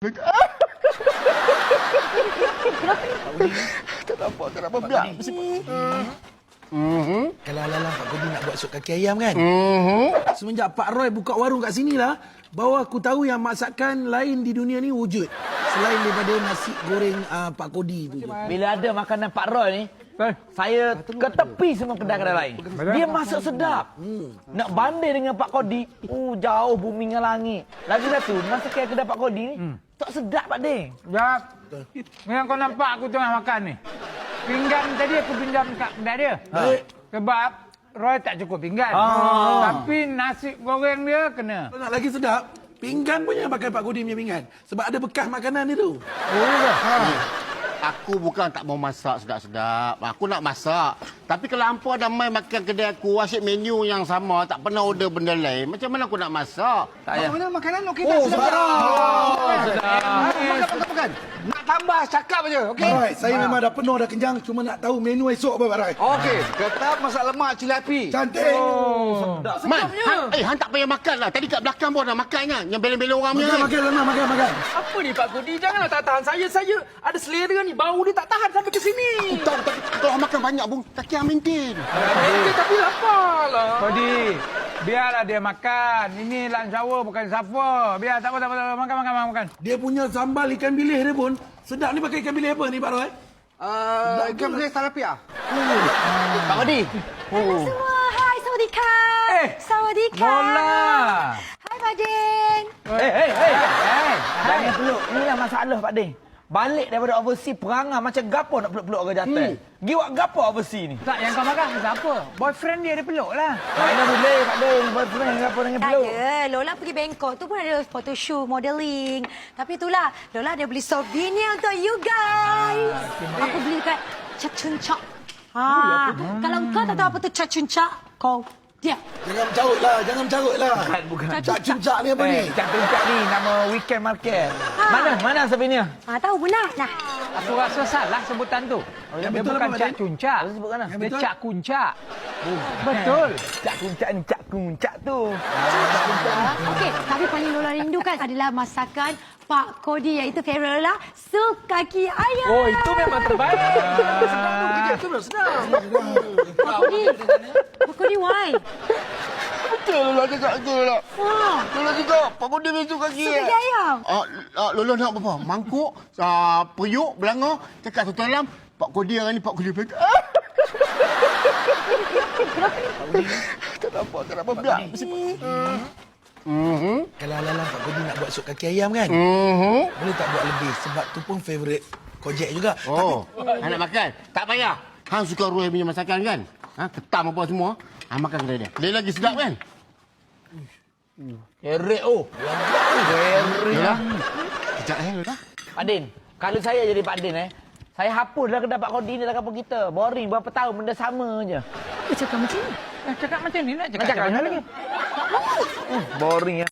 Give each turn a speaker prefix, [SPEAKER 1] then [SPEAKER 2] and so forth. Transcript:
[SPEAKER 1] Kenapa biar?
[SPEAKER 2] Kalau alang Pak Kodi nak buat sup kaki ayam kan? Semenjak Pak Roy buka warung kat sini lah, baru aku tahu yang masakan lain di dunia ni wujud. Selain daripada nasi goreng Pak Kodi tu je.
[SPEAKER 3] Bila ada makanan Pak Roy ni, saya ke tepi semua kedai-kedai lain. Dia masak sedap. Nak banding dengan Pak Kodi, jauh bumi dengan langit. Lagi satu, masakan kedai Pak Kodi ni, tak sedap Pak Ding.
[SPEAKER 4] Jap. Yang kau nampak aku tengah makan ni. Pinggan tadi aku pinjam kat kedai dia. Sebab Roy tak cukup pinggan. Tapi nasi goreng dia kena.
[SPEAKER 2] Kalau nak lagi sedap, pinggan punya pakai Pak Kodi punya pinggan. Sebab ada bekas makanan dia tu.
[SPEAKER 4] Oh, ya ke?
[SPEAKER 1] Aku bukan tak mau masak sedap-sedap. Aku nak masak. Tapi kalau hampa ada main makan kedai aku, asyik menu yang sama, tak pernah order benda lain, macam mana aku nak masak?
[SPEAKER 3] Tak payah.
[SPEAKER 5] Mana makanan okey tak? Makan. Nak tambah cakap aja, okey?
[SPEAKER 2] Alright, saya memang dah penuh dah kenyang. Cuma nak tahu menu esok apa Pak Roy.
[SPEAKER 5] Okey, ketab masak lemak cili api.
[SPEAKER 2] Cantik.
[SPEAKER 1] Man, Han tak payah makan lah. Tadi kat belakang pun dah makan kan. Yang bela-bela orang punya.
[SPEAKER 2] Makan.
[SPEAKER 6] Apa ni Pak Kodi? Janganlah tak tahan saya. Saya ada selera ni. Bau dia tak tahan sampai ke sini.
[SPEAKER 1] Tak, kalau makan banyak pun, tak kira maintain.
[SPEAKER 6] Tapi lapar lah.
[SPEAKER 4] Kodi, biarlah dia makan. Ini lunch hour bukan supper. Biar tak apa. Makan.
[SPEAKER 2] Dia punya sambal ikan bilis dia pun sedap ni. Pakai ikan bilis apa ni Pak Roy?
[SPEAKER 5] Ikan bilis talapia.
[SPEAKER 1] Pak Kodi.
[SPEAKER 7] Semua, hai, sawadika. Sawadika.
[SPEAKER 4] Bola.
[SPEAKER 7] Hai, Pak Din.
[SPEAKER 3] Jangan peluk. Inilah masalah Pak Ding. Balik daripada overseas perangai macam gapo nak peluk-peluk orang jantan. Giwak gapo overseas ni?
[SPEAKER 4] Tak, yang kau marah siapa? Boyfriend dia peluk lah.
[SPEAKER 3] Mana boleh Pak Ding. Boyfriend gapo dengan
[SPEAKER 7] Tak
[SPEAKER 3] peluk.
[SPEAKER 7] ada. Lola pergi Bangkok tu pun ada photoshoot, modeling. Tapi itulah, Lola ada beli souvenir untuk you guys. Aku beli dekat Cacuncak. Kalau kau tak tahu apa tu Cacuncak, kau diam.
[SPEAKER 2] Jangan mencarut lah.
[SPEAKER 3] Bukan.
[SPEAKER 2] Cak cuncak ni apa ni?
[SPEAKER 3] Cak Tuncak ni nama weekend market. Mana souvenir?
[SPEAKER 7] Tahu benar. Nah,
[SPEAKER 4] Aku rasa salah sebutan tu. Dia
[SPEAKER 2] betul
[SPEAKER 4] bukan
[SPEAKER 2] apa,
[SPEAKER 4] cak
[SPEAKER 2] Mak
[SPEAKER 4] cuncak.
[SPEAKER 3] Sebutkan lah.
[SPEAKER 4] Dia cak kuncak. Betul.
[SPEAKER 3] Cak Kuncak ni Cak Kuncak tu.
[SPEAKER 7] okey. Tapi paling Lola rindukan adalah masakan Pak Kodi, iaitu favorite Lola, sup kaki ayam.
[SPEAKER 6] Oh, itu memang terbaik.
[SPEAKER 7] Pak Kodi, why?
[SPEAKER 1] Betul lah cakap tu lah. Lola juga, Pak Kodi besok kaki.
[SPEAKER 7] Sup kaki ayam.
[SPEAKER 1] Lola nak apa? Mangkuk, periuk, belanga, cakap satu dalam. Pak Kodi hari ni, Pak Kodi pegang. Tak apa, biar.
[SPEAKER 2] Kalau alang Pak Kodi nak buat sup kaki ayam kan? Boleh tak buat lebih? Sebab tu pun favourite Kojek juga.
[SPEAKER 1] Han nak makan? Tak payah. Han suka Roy punya masakan kan? Ketam apa semua. Han makan kedai dia. Dia lagi sedap kan?
[SPEAKER 3] Kerek oh.
[SPEAKER 1] Yalah. Kejap Lola.
[SPEAKER 3] Pak Din, kalau saya jadi Pak Din saya hapuslah kedai Pak Kodi ni dalam kampung kita. Boring berapa tahun benda sama je.
[SPEAKER 7] Apa cakap macam ni?
[SPEAKER 4] Cakap macam ni nak
[SPEAKER 3] Nak cakap
[SPEAKER 4] macam
[SPEAKER 3] mana lagi? Boring ya.